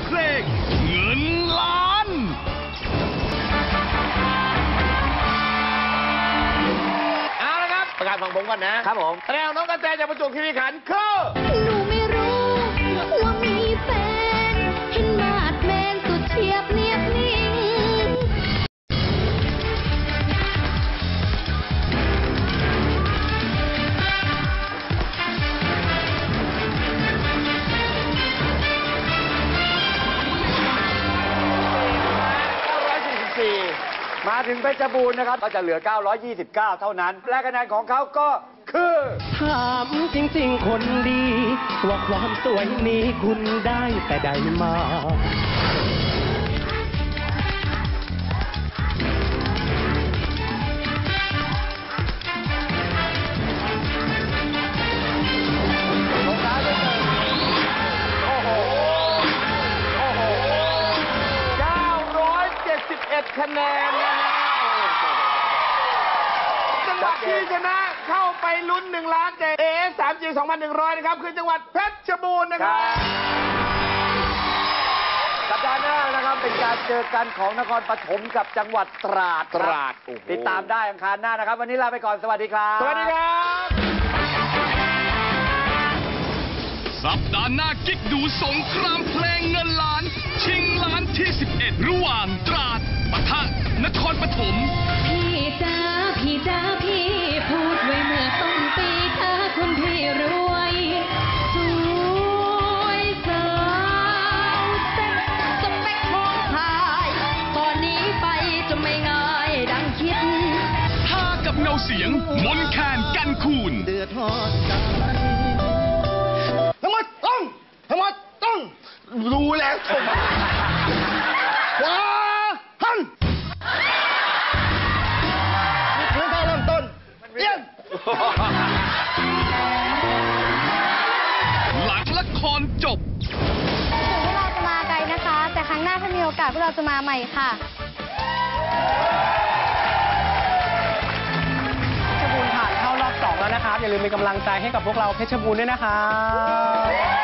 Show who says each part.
Speaker 1: เพลงเงินล้าน
Speaker 2: เอาละครับประกาศฝั่งผมก่อนนะครับผมแสดงน้องกระแตจากประจวบคีรีขันธ์คือ
Speaker 3: หนูไม่รู้ว่ามีแฟนเห็นมาดแมนสุดเฉียบเนียบนิ่ง
Speaker 4: มาถึงเพชรบูรณ์นะครับก็จะเหลือ 929 เท่านั้น และคะแนนของเขาก็คือ
Speaker 5: ถามจริงๆคนดีว่าความสวยนี้คุณได้แต่ใดมา
Speaker 2: 971 คะแนนนะฮะจังหวัดที่ชนะเข้าไปลุ้น1 ล้านเจAS 3G 2,100 นะครับคือจังหวัดเพชรบูรณ์นะครับ
Speaker 4: สัปดาห์หน้านะครับเป็นการเจอกันของนครปฐมกับจังหวัดตราดติดตามได้อังคารหน้านะครับวันนี้ลาไปก่อนสวัสดีครับ
Speaker 2: สวัสดีครับ
Speaker 1: สัปดาห์หน้ากิ๊กดูสงครามเพลงเงินล้านชิงล้านที่ 11 ระหว่างตราดปะทะนครปฐม
Speaker 3: พี่จ้าพี่พูดไว้เมื่อต้นปีถ้าคุณพี่รวยสวยสาวเซ็ตสเปคของชายตอนนี้ไปจะไม่ง่ายดังคิด
Speaker 1: ท่ากับเงาเสียงมนแคนกันคูณ
Speaker 5: เดือดร้อน
Speaker 2: ทั้งหมดต้องรู้แล้วขวาหันนี่คือท่าเริ่มต้นเยี่ยม
Speaker 1: หลังละครจบ
Speaker 3: ถึงพวกเราจะมาไกลนะคะ แต่ครั้งหน้าถ้ามีโอกาสพวกเราจะมาใหม่ค่ะ
Speaker 5: เพชรบูรณ์ผ่านเข้ารอบ 2 แล้วนะครับอย่าลืมเป็นกำลังใจให้กับพวกเราเพชรบูรณ์ด้วยนะครับ